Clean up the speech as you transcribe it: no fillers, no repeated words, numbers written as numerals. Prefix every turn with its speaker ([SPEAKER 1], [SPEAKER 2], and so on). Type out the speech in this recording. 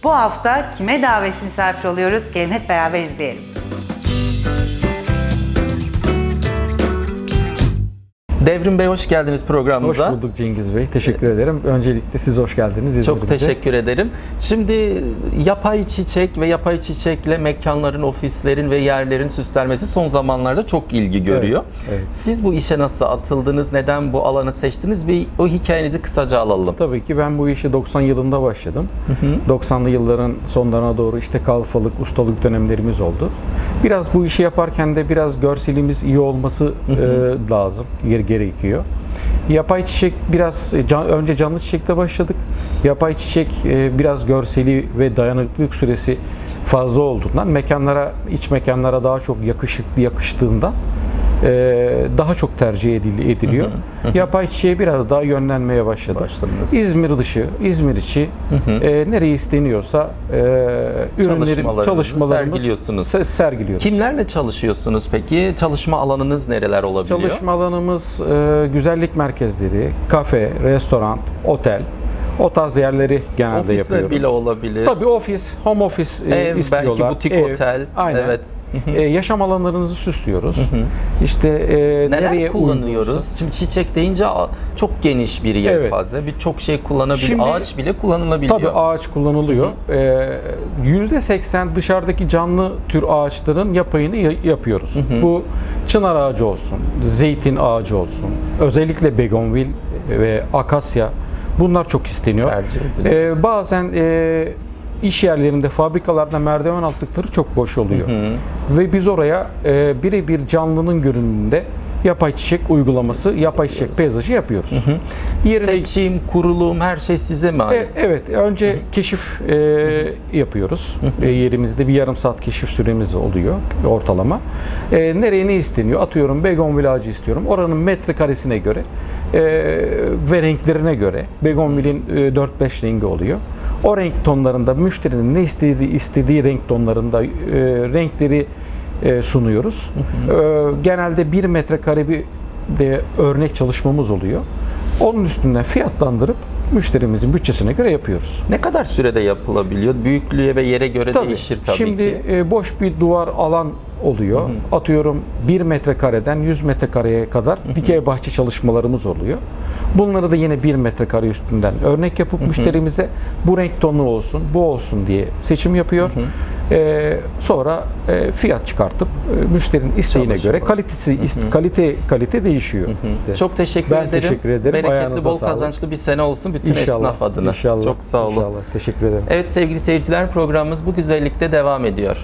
[SPEAKER 1] Bu hafta kime davetsiz misafir oluyoruz? Gelin hep beraber izleyelim.
[SPEAKER 2] Devrim Bey hoş geldiniz programımıza.
[SPEAKER 3] Hoş bulduk Cengiz Bey. Teşekkür ederim. Öncelikle siz hoş geldiniz.
[SPEAKER 2] Çok teşekkür ederim. Şimdi yapay çiçek ve yapay çiçekle mekanların, ofislerin ve yerlerin süslenmesi son zamanlarda çok ilgi görüyor.
[SPEAKER 3] Evet.
[SPEAKER 2] Siz bu işe nasıl atıldınız? Neden bu alanı seçtiniz? Bir o hikayenizi kısaca alalım.
[SPEAKER 3] Tabii ki ben bu işe 90 yılında başladım. 90'lı yılların sonlarına doğru işte kalfalık, ustalık dönemlerimiz oldu. Biraz bu işi yaparken de biraz görselimiz iyi olması lazım, gerekiyor. Yapay çiçek biraz önce canlı çiçekle başladık. Yapay çiçek biraz görseli ve dayanıklılık süresi fazla olduğundan iç mekanlara daha çok yakıştığından daha çok tercih ediliyor. Yapay çiçeğe biraz daha yönlenmeye başladınız. İzmir dışı, İzmir içi nereye isteniyorsa
[SPEAKER 2] çalışmalarımız
[SPEAKER 3] sergiliyoruz.
[SPEAKER 2] Kimlerle çalışıyorsunuz peki? Çalışma alanınız nereler olabiliyor?
[SPEAKER 3] Çalışma alanımız güzellik merkezleri, kafe, restoran, otel. O tarz yerleri genelde
[SPEAKER 2] Ofisler
[SPEAKER 3] yapıyoruz.
[SPEAKER 2] Ofisler bile olabilir.
[SPEAKER 3] Tabii ofis, home office
[SPEAKER 2] ev,
[SPEAKER 3] istiyorlar.
[SPEAKER 2] belki butik otel.
[SPEAKER 3] Aynen.
[SPEAKER 2] Evet.
[SPEAKER 3] Yaşam alanlarınızı süslüyoruz. İşte
[SPEAKER 2] neler
[SPEAKER 3] nereye
[SPEAKER 2] kullanıyoruz?
[SPEAKER 3] uygunsa.
[SPEAKER 2] Şimdi çiçek deyince çok geniş bir yelpaze. Evet. Birçok şey kullanabilir.
[SPEAKER 3] Şimdi,
[SPEAKER 2] ağaç bile kullanılabiliyor.
[SPEAKER 3] Tabii ağaç kullanılıyor. %80 dışarıdaki canlı tür ağaçların yapayını yapıyoruz. Bu çınar ağacı olsun, zeytin ağacı olsun, özellikle begonvil ve akasya. Bunlar çok isteniyor.
[SPEAKER 2] Tercih ediliyor.
[SPEAKER 3] Bazen iş yerlerinde, fabrikalarda merdiven altlıkları çok boş oluyor. Ve biz oraya birebir canlının görünümünde yapay çiçek uygulaması, yapay çiçek peyzajı yapıyoruz.
[SPEAKER 2] Seçim, kurulum her şey size mi ait?
[SPEAKER 3] Evet. Önce keşif yapıyoruz. Yerimizde bir yarım saat keşif süremiz oluyor ortalama. Nereye ne isteniyor? Atıyorum begonvil ağacı istiyorum. Oranın metrekaresine göre ve renklerine göre begonvilin 4-5 rengi oluyor. O renk tonlarında müşterinin ne istediği renk tonlarında renkleri sunuyoruz. Genelde 1 metrekare bir de örnek çalışmamız oluyor. Onun üstünden fiyatlandırıp müşterimizin bütçesine göre yapıyoruz.
[SPEAKER 2] Ne kadar sürede yapılabiliyor? Büyüklüğe ve yere göre değişir tabii
[SPEAKER 3] şimdi
[SPEAKER 2] ki.
[SPEAKER 3] Şimdi boş bir duvar alan oluyor. Atıyorum 1 metrekareden 100 metrekareye kadar dikey bahçe çalışmalarımız oluyor. Bunları da yine 1 metrekare üstünden örnek yapıp müşterimize bu renk tonu olsun, bu olsun diye seçim yapıyor. Sonra fiyat çıkartıp müşterinin isteğine göre kalite değişiyor.
[SPEAKER 2] Çok teşekkür ederim.
[SPEAKER 3] Ben teşekkür ederim.
[SPEAKER 2] Bereketli,
[SPEAKER 3] Ayağınıza
[SPEAKER 2] bol
[SPEAKER 3] sağlık.
[SPEAKER 2] kazançlı bir sene olsun bütün
[SPEAKER 3] İnşallah,
[SPEAKER 2] esnaf adına.
[SPEAKER 3] İnşallah.
[SPEAKER 2] Çok sağ olun.
[SPEAKER 3] İnşallah. Teşekkür ederim.
[SPEAKER 2] Evet sevgili seyirciler, programımız bu güzellikte devam ediyor.